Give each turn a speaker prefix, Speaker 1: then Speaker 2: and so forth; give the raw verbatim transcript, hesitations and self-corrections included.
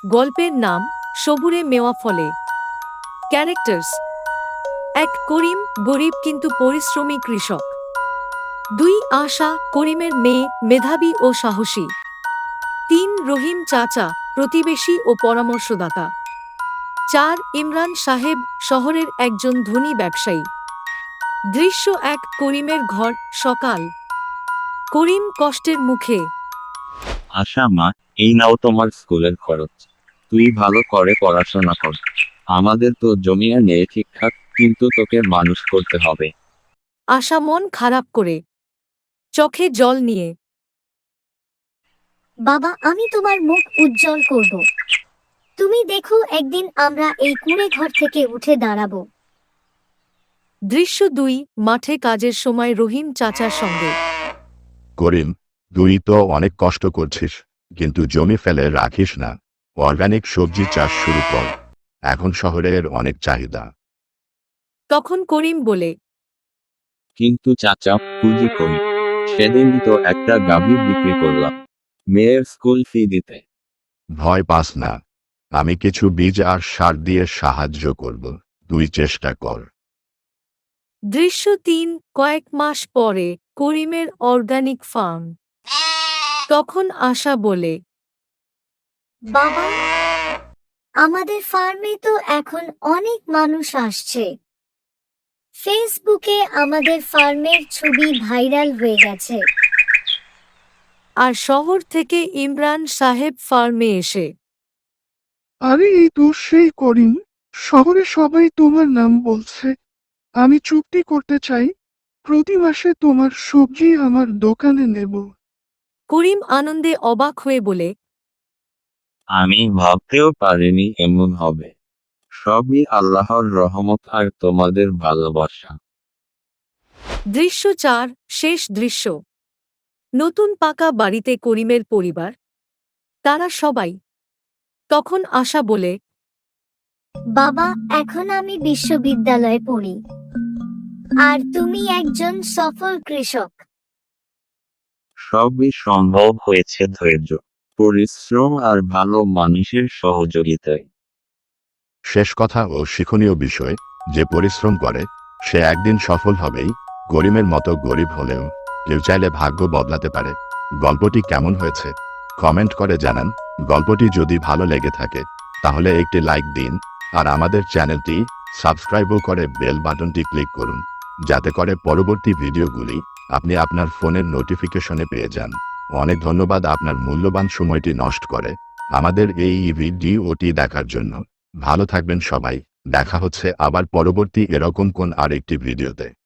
Speaker 1: গল্পের নাম সবুরে মেওয়া ফলে। ক্যারেক্টার্স: এক, করিম, গরিব কিন্তু পরিশ্রমী কৃষক। দুই, আশা, করিমের মেয়ে, মেধাবী ও সাহসী। তিন, রহিম চাচা, প্রতিবেশী ও পরামর্শদাতা। চার, ইমরান সাহেব, শহরের একজন ধনী ব্যবসায়ী। দৃশ্য এক, করিমের ঘর, সকাল। করিম কষ্টের মুখে।
Speaker 2: আশা মা, এই নাও তোমার স্কুলের খরচ। তুই ভালো করে পড়াশোনা কর। আমাদের তো জমিয়া নেই ঠিকঠাক, কিন্তু তোকে মানুষ করতে হবে।
Speaker 1: আশা মন খারাপ করে, চোখে জল নিয়ে।
Speaker 3: বাবা, আমি তোমার মুখ উজ্জ্বল করব। তুমি দেখো, একদিন আমরা এই কুঁড়ে ঘর থেকে উঠে দাঁড়াবো।
Speaker 1: দৃশ্য দুই, মাঠে কাজের সময় রহিম চাচার সঙ্গে।
Speaker 4: করিম, তুই তো অনেক কষ্ট করছিস, কিন্তু জমি ফেলে রাখিস না। অর্গানিক সবজি চাষ শুরু কর, এখন শহরের অনেক চাহিদা।
Speaker 1: তখন করিম বলে,
Speaker 2: কিন্তু চাচা, পুঁজি করি। সেদিনই তো একটা গাভী বিক্রি করলাম মেয়ের স্কুল ফি দিতে।
Speaker 4: ভয় পাস না, আমি কিছু বীজ আর সার দিয়ে সাহায্য করব, তুই চেষ্টা কর।
Speaker 1: দৃশ্য তিন, কয়েক মাস পরে করিমের অর্গানিক ফার্ম। তখন আশা বলে,
Speaker 3: বাবা, আমাদের ফার্মে তো এখন অনেক মানুষ আসছে। ফেসবুকে আমাদের ফার্মের ছবি ভাইরাল হয়ে গেছে।
Speaker 1: আর শহর থেকে ইমরান সাহেব ফার্মে এসে।
Speaker 5: আরে এই তো সেই করিম, শহরে সবাই তোমার নাম বলছে। আমি চুক্তি করতে চাই, প্রতি মাসে তোমার সবজি আমার দোকানে নেব।
Speaker 1: করিম আনন্দে অবাক হয়ে বলে,
Speaker 2: আমি ভাবতেও পারিনি এমন হবে। সবই আল্লাহর রহমত আর তোমাদের ভালোবাসা।
Speaker 1: দৃশ্য চার, শেষ দৃশ্য। নতুন পাকা বাড়িতে করিমের পরিবার, তারা সবাই। তখন আশা বলে,
Speaker 3: বাবা, এখন আমি বিশ্ববিদ্যালয়ে পড়ি, আর তুমি একজন সফল কৃষক।
Speaker 2: সবই সম্ভব হয়েছে ধৈর্য, পরিশ্রম আর ভালো মানুষের সহযোগিতায়।
Speaker 4: শেষ কথা ও শিক্ষণীয় বিষয়, যে পরিশ্রম করে সে একদিন সফল হবেই। করিমের মতো গরিব হলেও কেউ চাইলে ভাগ্য বদলাতে পারে। গল্পটি কেমন হয়েছে কমেন্ট করে জানান। গল্পটি যদি ভালো লেগে থাকে তাহলে একটি লাইক দিন, আর আমাদের চ্যানেলটি সাবস্ক্রাইবও করে বেল বাটনটি ক্লিক করুন, যাতে করে পরবর্তী ভিডিওগুলি আপনি আপনার ফোনের নোটিফিকেশনে পেয়ে যান। অনেক ধন্যবাদ আপনার মূল্যবান সময়টি নষ্ট করে আমাদের এই ভিডিওটি দেখার জন্য। ভালো থাকবেন সবাই, দেখা হচ্ছে আবার পরবর্তী এরকম কোন আরেকটি ভিডিওতে।